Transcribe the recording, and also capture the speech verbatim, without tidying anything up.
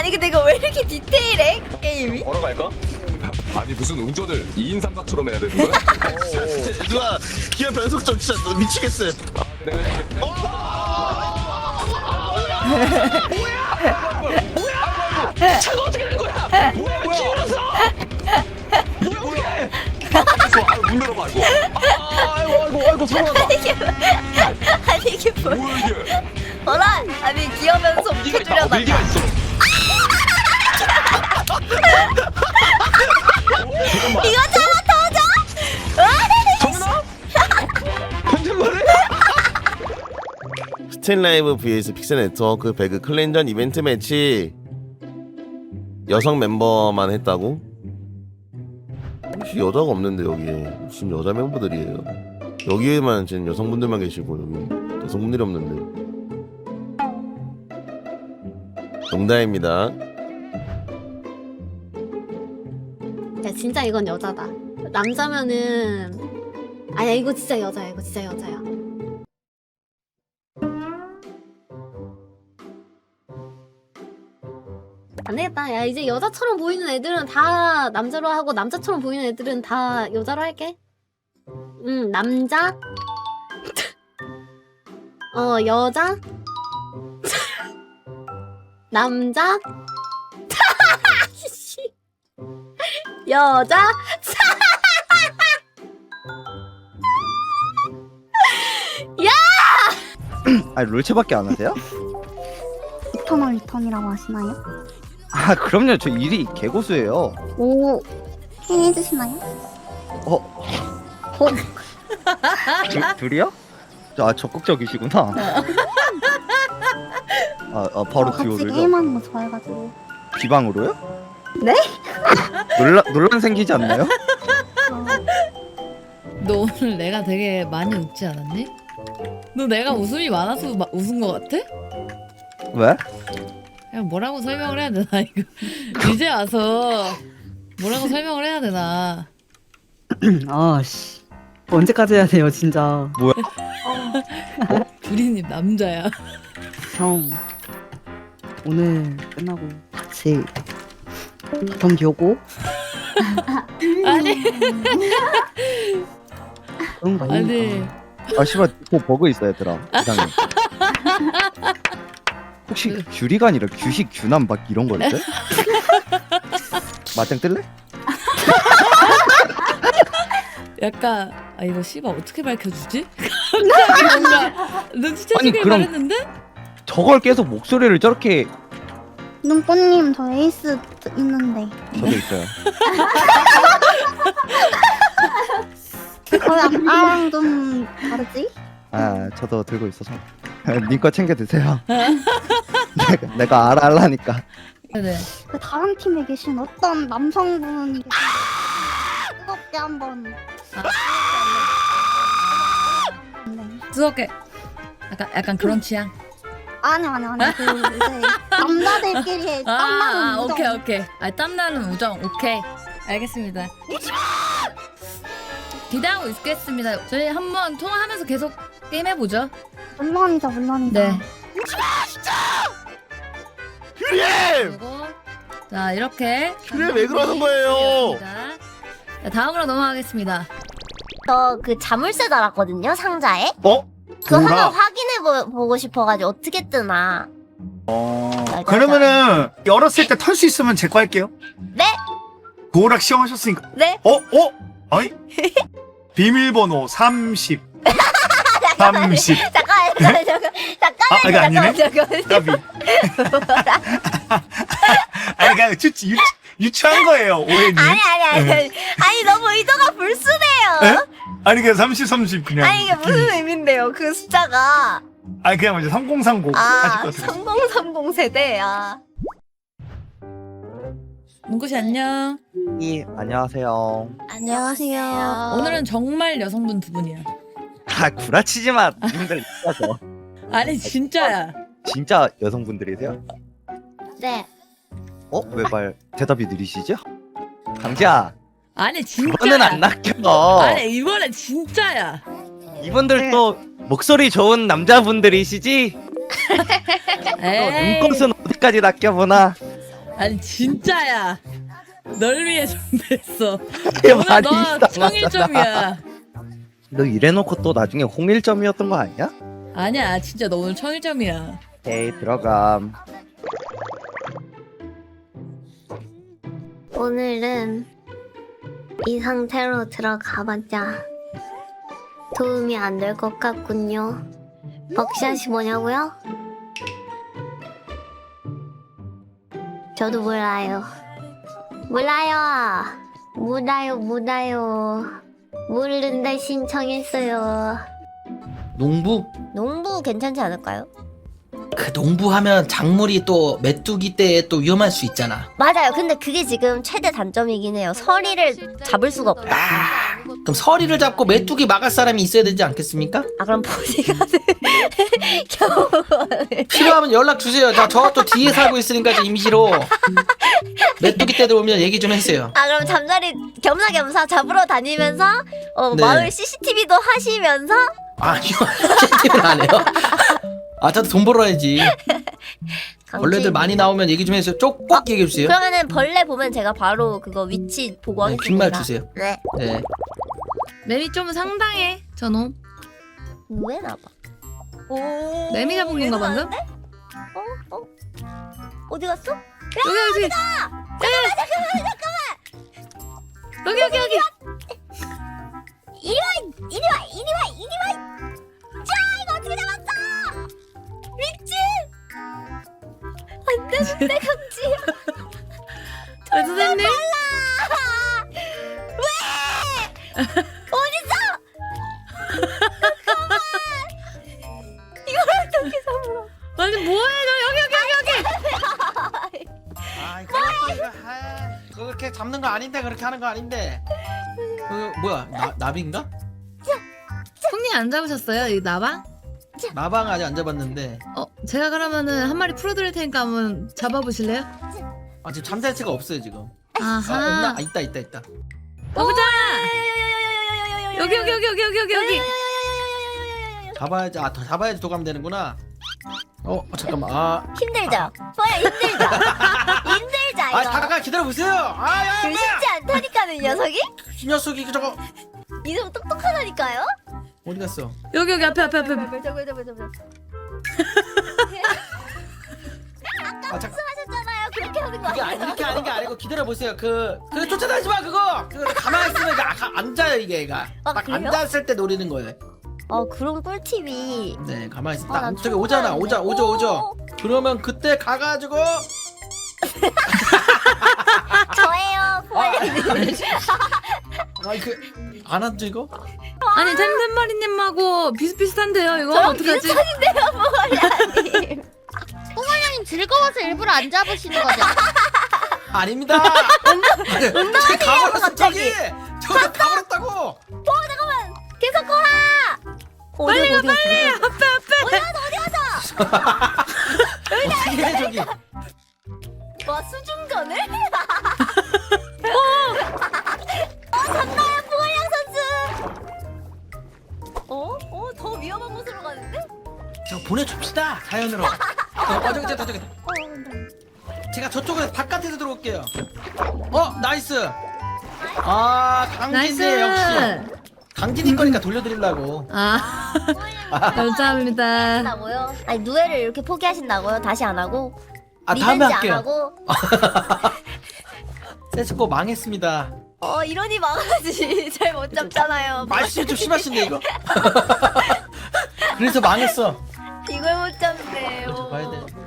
아니 근데 이거 왜 이렇게 디테일해 게임이? 걸어갈까? 아니 무슨 운전을 이인 삼각처럼 해야 되는 거야? 누가 기어 변속점 진짜 너 미치겠어요. 아, 내가 해줄게. 차가 어떻게 된 거야? 뭐야 뭐야? 기울었어. 뭐야? 아, 문 열어봐 이거. 아, 아이고 아이고 아이고 서운하다. 이게 뭐야? 아니 이게 뭐야? 뭐야 이게? 어라? 아니 기어면서 밀기가 있다. 어, 해주려다가 밀기가 있어. 이거 잡아 터져? 정민아? 편집만해? 스틸라이브 vs 픽셀 네트워크 배그 클랜전 이벤트 매치 여성 멤버만 했다고? 혹시 여자가 없는데 여기에 지금 여자 멤버들이에요. 여기에만 지금 여성분들만 계시고 여기 여성분들이 없는데 농담입니다. 야 진짜 이건 여자다. 남자면은 아니야 이거 진짜 여자야. 이거 진짜 여자야. 안 되겠다. 야 이제 여자처럼 보이는 애들은 다 남자로 하고 남자처럼 보이는 애들은 다 여자로 할게. 응 남자. 어 여자. 남자. 여자. 아니 롤체밖에 안 하세요? 이터널 리턴이라고 하시나요? 아 그럼요. 저 일이 개고수예요. 오, 해주시나요? 어? 둘, 둘이요? 아 적극적이시구나. 아, 아 바로 어, 같이 듀오를요? 게임하는 거 좋아해가지고. 비방으로요? 네? 논란 논란 생기지 않나요? 어, 너 오늘 내가 되게 많이 웃지 않았니? 너 내가 웃음이 많아서 마, 웃은 거 같아? 왜? 그냥 뭐라고 설명을 해야 되나 이거 이제 와서 뭐라고 설명을 해야 되나? 아씨 언제까지 해야 돼요 진짜. 두리님 남자야. 형 오늘 끝나고 같이 경기 오고 아니 그런 거 아니 아닙니까? 아 씨발 또 버그 있어 얘들아. 이상해. 혹시 규리가 아니라 규식 규남 막 이런 거였대? 맞짱 뜰래? 약간 아 이거 씨발 어떻게 밝혀주지? 갑자기 뭔가 눈치채시길 그럼- 바랬는데? 저걸 계속 목소리를 저렇게 눈꽃님 저 에이스 있는데 저도 있어요. 거의 아까랑 좀 다르지? 아 저도 들고 있어서 니거 챙겨 드세요. 내가, 내가 알아 알라니까. 네네. 그 다른 팀에 계신 어떤 남성분이 뜨겁게 한번 네. 뜨겁게 약간 약간 그런 취향. 아니 아니 아니 그 이제 남자들끼리 아, 땀나는 아 우정. 오케이 오케이. 아 땀나는 우정 오케이. 알겠습니다. 기대하고 있겠습니다. 저희 한번 통화하면서 계속 게임 해보죠. 물론이죠 물론이죠. 네. 규리엠! 그리고 자 이렇게 규리엠 왜 그러는 거예요? 자, 다음으로 넘어가겠습니다. 저 그 자물쇠 달았거든요 상자에. 어? 그거 뭐가? 하나 확인해 보, 보고 싶어가지고 어떻게 뜨나. 어. 짜잔. 그러면은 열었을 때 털 수 있으면 제 거 할게요. 네? 도락 시험하셨으니까. 네? 어? 어? 아니? 비밀번호 삼십. 삼십. 잠깐만 잠깐만 잠깐만 아, 이거 아니네? 잠깐만 잠깐만. 까비. 아니 그냥 유, 유, 유치한 거예요 오해님. 아니 아니 아니 아니 아니 너무 의도가 불순해요. 에? 아니 그냥 삼십 삼십 그냥. 아니 이게 무슨 의미인데요 그 숫자가. 아니 그냥 이제 삼공삼공 하실 아 것 같아요. 삼공삼공 세대야. 문구씨 안녕. 이 안녕하세요. 안녕하세요. 오늘은 정말 여성분 두 분이야. 아 구라치지 마. 님들 있어서. 아니 진짜야. 진짜 여성분들이세요? 네. 어? 왜 말 대답이 느리시죠? 강지야. 아니 진짜야. 그거는 안 낚여. 아니 이번엔 진짜야. 이분들 또 목소리 좋은 남자분들이시지? 또 에이. 눈꽃은 어디까지 낚여보나? 아니 진짜야. 널 위해 준비했어. 이게 오늘 많이 너 이상하잖아. 청일점이야. 너 이래놓고 또 나중에 홍일점이었던 거 아니야? 아니야 진짜 너 오늘 청일점이야. 에이 들어감. 오늘은 이 상태로 들어가봤자 도움이 안 될 것 같군요. 벅샷이 뭐냐고요? 저도 몰라요. 몰라요. 몰라요, 몰라요. 모르는데 신청했어요. 농부? 농부 괜찮지 않을까요? 그 농부하면 작물이 또 메뚜기 때에 또 위험할 수 있잖아. 맞아요. 근데 그게 지금 최대 단점이긴 해요. 서리를 잡을 수가 없다. 아, 그럼 서리를 잡고 메뚜기 막을 사람이 있어야 되지 않겠습니까? 아 그럼 보디가드 겨우 필요하면 연락 주세요. 자, 저 또 뒤에 살고 있으니까 저 임시로 메뚜기 때들 오면 얘기 좀 해주세요. 아 그럼 잠자리 겸사겸사 잡으러 다니면서 어, 네. 마을 씨씨티비도 하시면서 아니요, 채팅을 안 해요. 아, 저도 돈 벌어야지. 벌레들 많이 나오면 얘기 좀 해주세요. 쪽 꼭 얘기해 주세요. 그러면은 벌레 보면 제가 바로 그거 위치 보고 네, 하겠습니다. 빈말 주세요. 네. 네. 맵이 좀 상당해 저놈. 왜 나봐? 오. 매미 잡은 건가 방금? 어? 어? 어디 갔어? 여기 여기. 잠깐만 잠깐만 잠깐만. 여기 여기 여기. 이리 와! 이리 와! 이리 와! 이리 와! 자 이거 어떻게 잡았어? 미친! 안 되는데 강지야. 저 선생님. 왜? 어딨어? 잠깐만. 이걸 어떻게 잡아? 아니 뭐해 너 여기 여기 여기 여기. 아, 이거 이거 아, 그거 그렇게 잡는 거 아닌데 그렇게 하는 거 아닌데. 그 뭐야? 나 나비인가? 손님 안 잡으셨어요 이 나방? 나방 아직 안 잡았는데. 어 제가 그러면은 한 마리 풀어드릴 테니까 한번 잡아보실래요? 아, 지금 잠잘 새가 없어요 지금. 아, 없나? 아하. 아, 있다 있다 있다. 가보자. 여기 여기 여기 여기 여기 여기 여기. 잡아야지. 아, 더 잡아야지 도감 되는구나. 어, 어, 잠깐만. 아, 힘들죠? 뭐야 힘들죠? 힘들죠 이거? 아, 잠깐 기다려 보세요. 아, 야, 그 뭐야? 쉽지 않다니까요 이 녀석이? 이 녀석이 그 저거 이 녀석 똑똑하다니까요? 어디 갔어? 여기 여기 앞에 앞에 앞에. 앞에. 저거 저거 저거 저거 아, 잠깐. 말씀하셨잖아요 그렇게 하는 거 그게 아니, 아니에요? 이렇게 하는 게 아니고 기다려 보세요. 그, 그 쫓아다니지 마 그거. 그 가만히 있으면 이게 아, 가- 앉아요 이게 얘가. 아, 딱 그래요? 앉았을 때 노리는 거예요. 어 그런 꿀팁이 네, 가만히 있어. 아, 딱 난 저기 처음 오잖아. 알았네. 오자, 오죠, 오죠. 오. 그러면 그때 가가지고 저예요 포에님 아, 그안 앉죠 이거? 아니 템템머리님하고 비슷비슷한데요 이거 저랑 어떡하지? 비슷하신데요 포에님 뽀글냥님 즐거워서 일부러 안 잡으시는 거죠? 아닙니다. 운동하세요 가버렸어 갑자기 저기. 저기 가버렸다고. 계속 거라 빨리 가 빨리 앞에 앞에. 어떻게 해 저기? 와 수중전을? 어! 어 잡나요 포글량 선수 어? 어? 더 위험한 곳으로 가는데? 저 보내줍시다 사연으로. 어, 어 저기 저기 저기. 제가 저쪽으로 바깥에서 들어올게요. 어 나이스. 아 강진이 역시. 강진이 거니까 돌려드리려고. 아 감사합니다. 나고요? 아니 누에를 이렇게 포기하신다고요? 다시 안 하고? 아 다음에 리벤지 안 할게요. 하고? 세스코 망했습니다. 어 이러니 망하지 잘 못 잡잖아요 말씀이 좀 심하신데 이거. 그래서 망했어. 이걸 못 잡네 저 봐야 돼.